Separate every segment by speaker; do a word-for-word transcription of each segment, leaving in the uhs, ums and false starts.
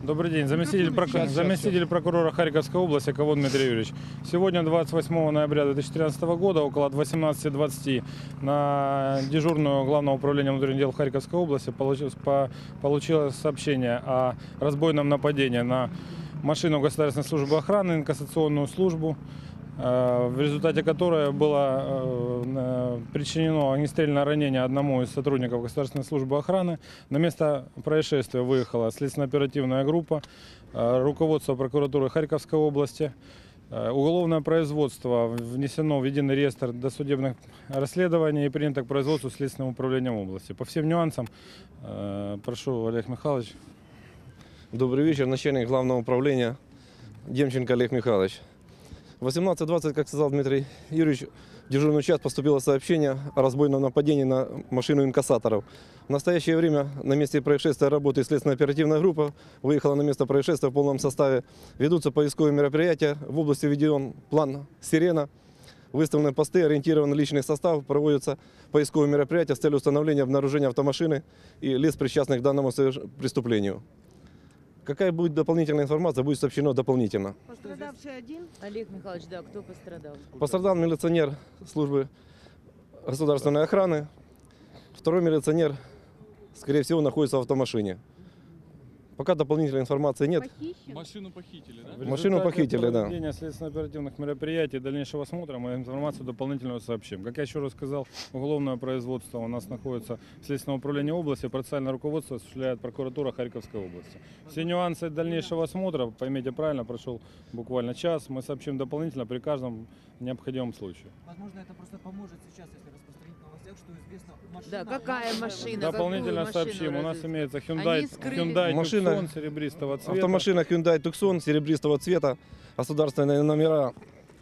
Speaker 1: Добрый день, заместитель, прок...
Speaker 2: Сейчас,
Speaker 1: заместитель
Speaker 2: сейчас.
Speaker 1: прокурора Харьковской области Ковон Дмитрий Юрьевич. Сегодня, двадцать восьмого ноября две тысячи тринадцатого года, около восемнадцати двадцати, на дежурную Главного управления внутренних дел Харьковской области получилось, по... получилось сообщение о разбойном нападении на машину Государственной службы охраны, инкассационную службу, в результате которой было причинено огнестрельное ранение одному из сотрудников Государственной службы охраны. На место происшествия выехала следственно-оперативная группа, руководство прокуратуры Харьковской области. Уголовное производство внесено в единый реестр досудебных расследований и принято к производству Следственным управлением области. По всем нюансам, прошу, Олег Михайлович.
Speaker 2: Добрый вечер, начальник Главного управления Демченко Олег Михайлович. В восемнадцать двадцать, как сказал Дмитрий Юрьевич, в дежурную часть поступило сообщение о разбойном нападении на машину инкассаторов. В настоящее время на месте происшествия работает следственно-оперативная группа, выехала на место происшествия в полном составе. Ведутся поисковые мероприятия, в области введен план «Сирена», выставлены посты, ориентирован личный состав, проводятся поисковые мероприятия с целью установления обнаружения автомашины и лиц, причастных к данному преступлению. Какая будет дополнительная информация, будет сообщено дополнительно.
Speaker 3: Пострадавший один?
Speaker 4: Олег Михайлович, да, кто пострадал?
Speaker 2: Пострадал милиционер службы государственной охраны. Второй милиционер, скорее всего, находится в автомашине. Пока дополнительной информации нет.
Speaker 3: Похищен?
Speaker 5: Машину похитили, да?
Speaker 1: В
Speaker 2: Машину
Speaker 1: результате
Speaker 2: похитили, да.
Speaker 1: проведения следственно-оперативных мероприятий и дальнейшего осмотра мы информацию дополнительную сообщим. Как я еще раз сказал, уголовное производство у нас находится в Следственном управлении области, процессуальное руководство осуществляет прокуратура Харьковской области. Все нюансы дальнейшего осмотра, поймите правильно, прошел буквально час, мы сообщим дополнительно при каждом необходимом случае.
Speaker 6: Возможно, это просто поможет сейчас, если распространить в новостях, что известно машина.
Speaker 4: Да, какая машина?
Speaker 1: Дополнительно
Speaker 4: какую
Speaker 1: сообщим. У нас
Speaker 4: машину
Speaker 1: имеется
Speaker 4: Они
Speaker 1: Hyundai,
Speaker 4: скрыли.
Speaker 1: Hyundai
Speaker 2: Машина-
Speaker 1: Tucson серебристого цвета.
Speaker 2: Автомашина Hyundai Tucson серебристого цвета, государственные номера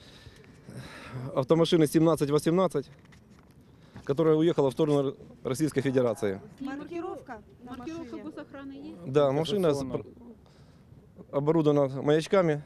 Speaker 2: автомашины семнадцать восемнадцать, которая уехала в сторону Российской Федерации.
Speaker 3: Маркировка на
Speaker 7: Маркировка
Speaker 3: машине?
Speaker 7: госохраны есть?
Speaker 2: Да, машина с-
Speaker 1: Инкассационная.
Speaker 2: оборудована маячками.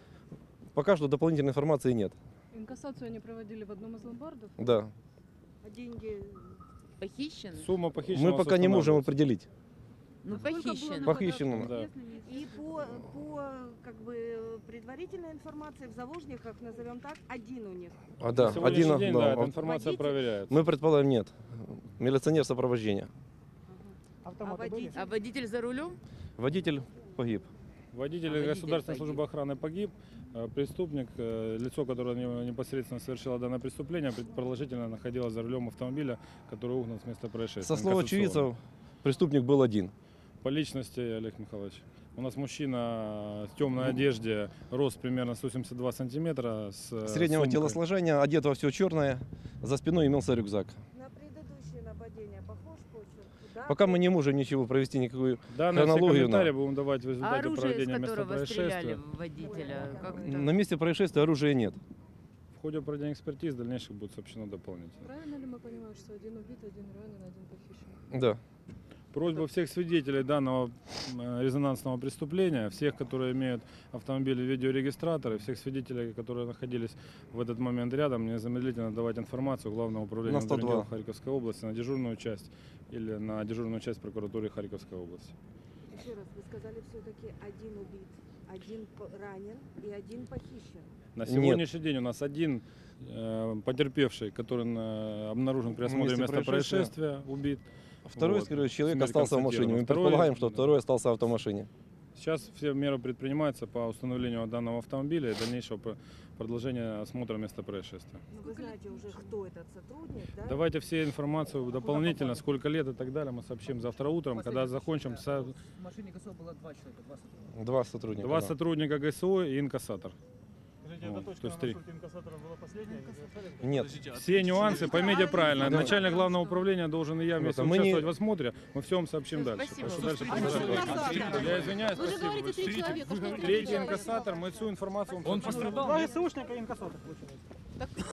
Speaker 2: Пока что дополнительной информации нет.
Speaker 7: Инкассацию они проводили в одном из ломбардов.
Speaker 2: Да.
Speaker 3: А деньги?
Speaker 4: Похищен?
Speaker 1: Сумма похищенного
Speaker 2: Мы пока не можем
Speaker 1: устанавливается.
Speaker 2: определить.
Speaker 4: Ну,
Speaker 7: Сколько было
Speaker 4: похищен.
Speaker 2: Похищен.
Speaker 1: Да.
Speaker 7: Известно, неизвестно.
Speaker 3: И по, по как бы предварительной информации в заложниках, назовем так, один у них.
Speaker 2: А, да,
Speaker 1: На сегодняшний
Speaker 2: один,
Speaker 1: день,
Speaker 2: да,
Speaker 1: да, эта
Speaker 2: ав-
Speaker 1: информация
Speaker 3: Водитель?
Speaker 1: проверяется.
Speaker 2: Мы предполагаем, нет. Милиционер сопровождения.
Speaker 3: А водитель?
Speaker 4: А водитель за рулем?
Speaker 2: Водитель погиб.
Speaker 1: Водитель
Speaker 4: А, водитель
Speaker 1: Государственной
Speaker 4: погиб.
Speaker 1: службы охраны погиб. Э, Преступник, э, лицо, которое не- непосредственно совершило данное преступление, предположительно находилось за рулем автомобиля, который угнан с места происшествия.
Speaker 2: Со слов
Speaker 1: Инкассационный.
Speaker 2: очевидцев, преступник был один.
Speaker 1: По личности, Олег Михайлович, у нас мужчина в темной одежде, рост примерно сто семьдесят два сантиметра. С э,
Speaker 2: Среднего
Speaker 1: сумкой.
Speaker 2: телосложения, одет во все черное, за спиной имелся рюкзак.
Speaker 3: На предыдущее нападение похож почерк? Да?
Speaker 2: Пока мы не можем ничего провести, никакую
Speaker 1: Данные все
Speaker 2: хронологию,
Speaker 1: комментарии
Speaker 2: да.
Speaker 1: будем давать в
Speaker 4: А
Speaker 1: результате
Speaker 4: оружие, из
Speaker 1: проведения места
Speaker 4: которого
Speaker 1: происшествия.
Speaker 4: стреляли в водителя? Как это?
Speaker 2: На месте происшествия оружия нет.
Speaker 1: В ходе проведения экспертиз дальнейших будет сообщено дополнительно.
Speaker 7: Правильно ли мы понимаем, что один убит, один ранен, один похищен?
Speaker 2: Да.
Speaker 1: Просьба всех свидетелей данного э, резонансного преступления, всех, которые имеют автомобили видеорегистраторы, всех свидетелей, которые находились в этот момент рядом, незамедлительно давать информацию Главного управления
Speaker 2: На сто два.
Speaker 1: внутренних дел Харьковской области на дежурную часть или на дежурную часть прокуратуры Харьковской области.
Speaker 3: Еще раз, вы сказали все-таки один убит, один п- ранен и один похищен.
Speaker 1: На
Speaker 2: Нет.
Speaker 1: сегодняшний день у нас один э, потерпевший, который э, обнаружен при осмотре
Speaker 2: месте
Speaker 1: места
Speaker 2: происшествия.
Speaker 1: происшествия, убит.
Speaker 2: Второй,
Speaker 1: Вот.
Speaker 2: скорее, человек
Speaker 1: Смерть
Speaker 2: остался в машине. Мы
Speaker 1: констатирована. Второй-
Speaker 2: предполагаем, что
Speaker 1: да.
Speaker 2: второй остался в автомашине.
Speaker 1: Сейчас все меры предпринимаются по установлению данного автомобиля и дальнейшего про- продолжения осмотра места происшествия.
Speaker 3: Ну, вы знаете уже, кто этот сотрудник, да?
Speaker 1: Давайте все информацию дополнительно, сколько лет и так далее, мы сообщим завтра утром, когда закончим. со-
Speaker 6: В машине ГСО было два человека, два сотрудника.
Speaker 2: Два сотрудника.
Speaker 1: Два
Speaker 2: да.
Speaker 1: сотрудника ГСО и инкассатор.
Speaker 5: Скажите,
Speaker 1: Вот,
Speaker 5: эта точка
Speaker 1: то
Speaker 5: на
Speaker 1: есть три.
Speaker 5: маршруте инкассатора была последняя?
Speaker 2: Нет.
Speaker 5: Подождите, а
Speaker 1: Все нюансы, поймите правильно,
Speaker 2: Да.
Speaker 1: начальник главного управления должен и я вместе
Speaker 2: Мы не-
Speaker 1: участвовать в осмотре, мы все вам сообщим
Speaker 4: Всё,
Speaker 1: дальше.
Speaker 4: спасибо.
Speaker 1: Прошу дальше
Speaker 7: А что
Speaker 1: продолжать.
Speaker 7: инкассатор?
Speaker 1: Я извиняюсь,
Speaker 7: Вы же
Speaker 1: спасибо.
Speaker 7: говорите, три человека, что
Speaker 1: Третий инкассатор, мы всю информацию вам
Speaker 5: Он
Speaker 1: сообщим.
Speaker 5: пострадал?
Speaker 6: Два ГСУшника и инкассатор получилось.